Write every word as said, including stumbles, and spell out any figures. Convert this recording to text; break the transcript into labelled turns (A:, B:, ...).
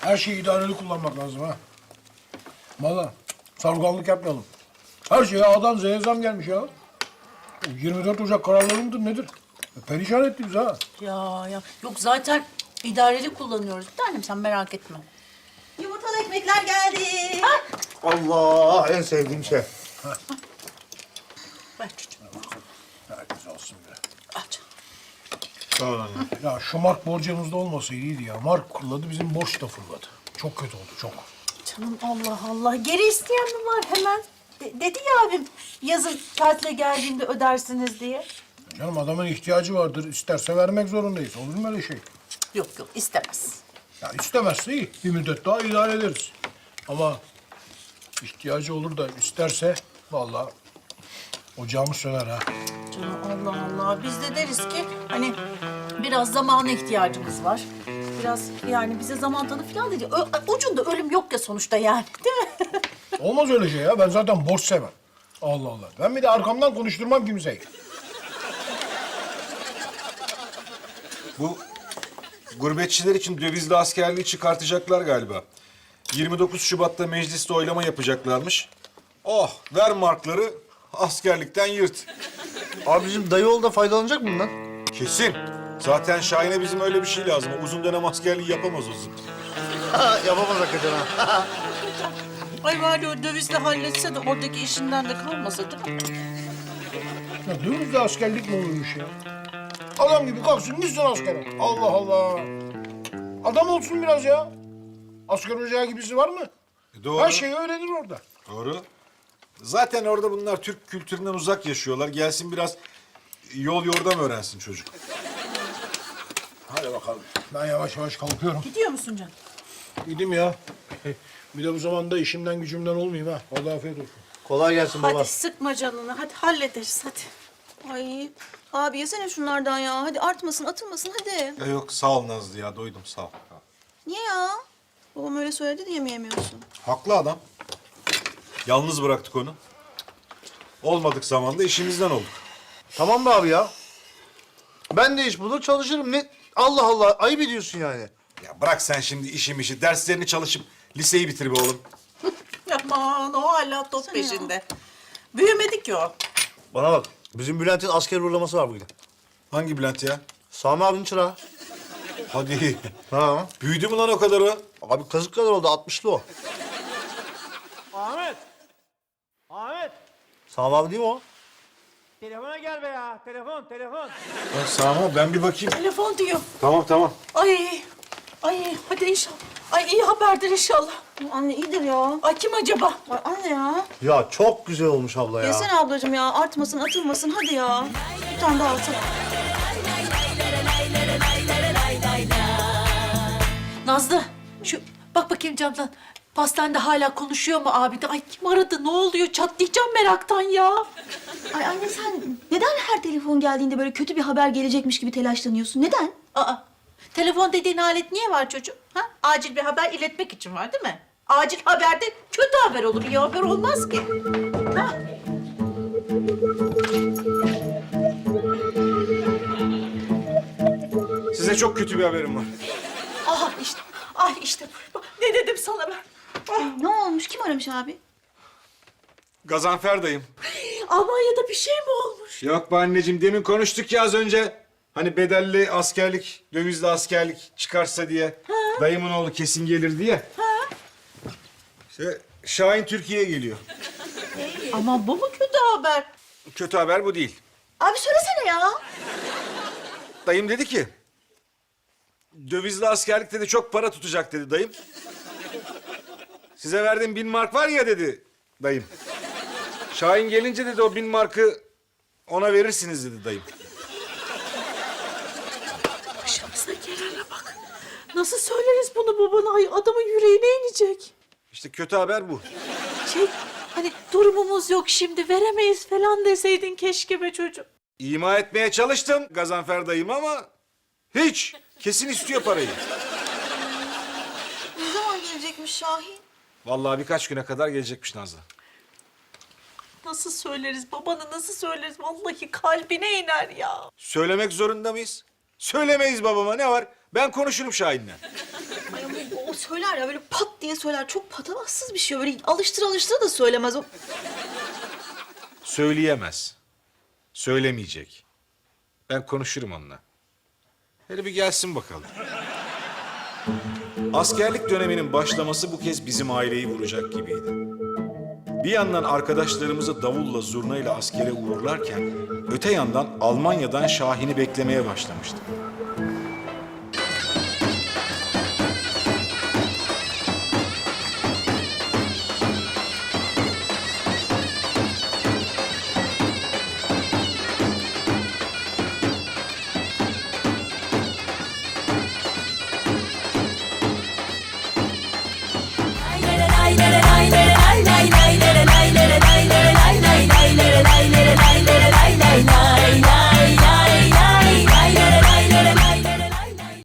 A: Her şeyi idareli kullanmak lazım ha. Vallahi sargallık yapmayalım. Her şeye A'dan Z'ye zam gelmiş ya. yirmi dört Ocak kararları mıdır nedir? Perişan etti bizi ha.
B: Ya ya yok zaten idareli kullanıyoruz. Bir tanem sen merak etme.
C: Yumurtalı ekmekler geldi.
D: Allah, en sevdiğim şey.
B: Ver çocuğum.
A: Herkes alsın be.
B: Aç.
D: Sağ ol anne.
A: Ya şu mark borcumuzda olmasaydı iyiydi ya. Mark fırladı, bizim borç da fırladı. Çok kötü oldu, çok.
B: Canım Allah Allah. Geri isteyen mi var hemen? De- dedi ya abim yazın tatile geldiğinde ödersiniz diye.
A: Canım adamın ihtiyacı vardır. İsterse vermek zorundayız. Olur mu öyle şey?
B: Yok yok istemez.
A: Ya istemezse iyi. Bir müddet daha idare ederiz. Ama ihtiyacı olur da isterse vallahi ocağımız söner ha.
B: Canım Allah Allah. Biz de deriz ki hani biraz zamana ihtiyacımız var. Biraz yani bize zaman tanı falan dedi. Ö- ucunda ölüm yok ya sonuçta yani değil mi?
A: Olmaz öyle şey ya. Ben zaten borç sevmem. Allah Allah. Ben bir de arkamdan konuşturmam kimseyi.
E: Bu gurbetçiler için dövizli askerliği çıkartacaklar galiba. yirmi dokuz Şubat'ta mecliste oylama yapacaklarmış. Oh, ver markları, askerlikten yırt.
D: Abi bizim dayı oğlu da faydalanacak mı bundan?
E: Kesin. Zaten Şahin'e bizim öyle bir şey lazım. Uzun dönem askerliği yapamaz uzun.
D: Yapamaz hakikaten ha.
B: Ay bari o dövizle halletse de oradaki işinden de kalmasa değil mi?
A: Ya dövizle askerlik mi olurmuş ya? Adam gibi kalksın gitsin askere. Allah Allah. Adam olsun biraz ya. Asker ocağı gibisi var mı?
E: E, doğru.
A: Her şeyi öğrenir orada.
E: Doğru. Zaten orada bunlar Türk kültüründen uzak yaşıyorlar. Gelsin biraz yol yordam öğrensin çocuk.
A: Hadi bakalım. Ben yavaş yavaş kalkıyorum.
B: Gidiyor musun canım?
A: Gideyim ya. Bir de bu zamanda işimden gücümden olmayayım ha. Vallahi afiyet olsun.
D: Kolay gelsin baba.
B: Hadi sıkma canını. Hadi hallederiz hadi.
C: Ay abi yesene şunlardan ya. Hadi artmasın, atılmasın hadi.
E: Ya yok sağ ol Nazlı ya, doydum sağ ol.
C: Niye ya? Babam öyle söyledi diye mi yemiyorsun?
E: Haklı adam. Yalnız bıraktık onu. Olmadık zamanda işimizden olduk.
D: Tamam be abi ya. Ben de iş bulur çalışırım. Ne? Allah Allah, ayıp ediyorsun yani.
E: Ya bırak sen şimdi işim işi, derslerini çalışıp liseyi bitir be oğlum.
B: Aman o hala top peşinde. Büyümedi ki o.
D: Bana bak, bizim Bülent'in asker uğurlaması var bugün.
E: Hangi Bülent ya?
D: Sami abinin çırağı.
E: Hadi.
D: Ha.
E: Büyüdü mü lan o kadar o?
D: Abi kazık kadar oldu, altmışlı o.
F: Ahmet! Ahmet!
D: Sami abi değil mi o?
F: Telefona gel be ya. Telefon, telefon.
E: Ya Sami ben bir bakayım.
B: Telefon diyor.
E: Tamam tamam.
B: Ay. Ay hadi inşallah. Ay iyi haberdir inşallah.
C: Anne iyidir ya.
B: Ay kim acaba?
C: Ay anne ya.
D: Ya çok güzel olmuş abla ya.
C: Yesene ablacığım ya. Artmasın, atılmasın hadi ya. Bir tane daha alsana.
B: Nazlı şu bak bakayım camdan. Pastanede hala konuşuyor mu abi de? Ay kim aradı? Ne oluyor? Çatlayacağım meraktan ya.
C: Ay anne sen neden her telefon geldiğinde böyle kötü bir haber gelecekmiş gibi telaşlanıyorsun? Neden?
B: Aa, telefon dediğin alet niye var çocuğum? Ha? Acil bir haber iletmek için var değil mi? Acil haberde kötü haber olur, iyi haber olmaz ki. Ha?
E: Size çok kötü bir haberim var.
B: Aha işte, ay işte bu. Ne dedim sana ben? Ah,
C: Ne olmuş? Kim aramış abi?
E: Gazanfer dayım.
B: Almanya'da bir şey mi olmuş?
E: Yok be anneciğim, demin konuştuk ya az önce. Hani bedelli askerlik, dövizli askerlik çıkarsa diye. Dayımın oğlu kesin gelir diye. İşte Şahin Türkiye'ye geliyor.
B: Ama bu mu kötü haber?
E: Kötü haber bu değil.
C: Abi söylesene ya.
E: Dayım dedi ki... Dövizli askerlik dedi, çok para tutacak dedi dayım. Size verdiğim bin mark var ya dedi dayım. Şahin gelince dedi o bin markı ona verirsiniz dedi dayım.
B: Başımıza gelene bak. Nasıl söyleriz bunu babana? Ay adamın yüreğine inecek.
E: İşte kötü haber bu.
B: Şey, hani durumumuz yok şimdi veremeyiz falan deseydin keşke be çocuğum.
E: İma etmeye çalıştım Gazanfer dayım ama hiç. Kesin istiyor parayı.
C: Ne zaman gelecekmiş Şahin?
E: Vallahi birkaç güne kadar gelecekmiş Nazlı.
B: Nasıl söyleriz babana nasıl söyleriz? Vallahi kalbine iner ya.
E: Söylemek zorunda mıyız? Söylemeyiz babama, ne var? Ben konuşurum Şahin'le.
B: Ay ama o
C: o söyler ya böyle pat diye söyler. Çok patavatsız bir şey. Böyle alıştır alıştır da söylemez. O...
E: Söyleyemez. Söylemeyecek. Ben konuşurum onunla. Hele bir gelsin bakalım. Askerlik döneminin başlaması bu kez bizim aileyi vuracak gibiydi. Bir yandan arkadaşlarımızı davulla zurnayla askere uğurlarken, öte yandan Almanya'dan Şahin'i beklemeye başlamıştık.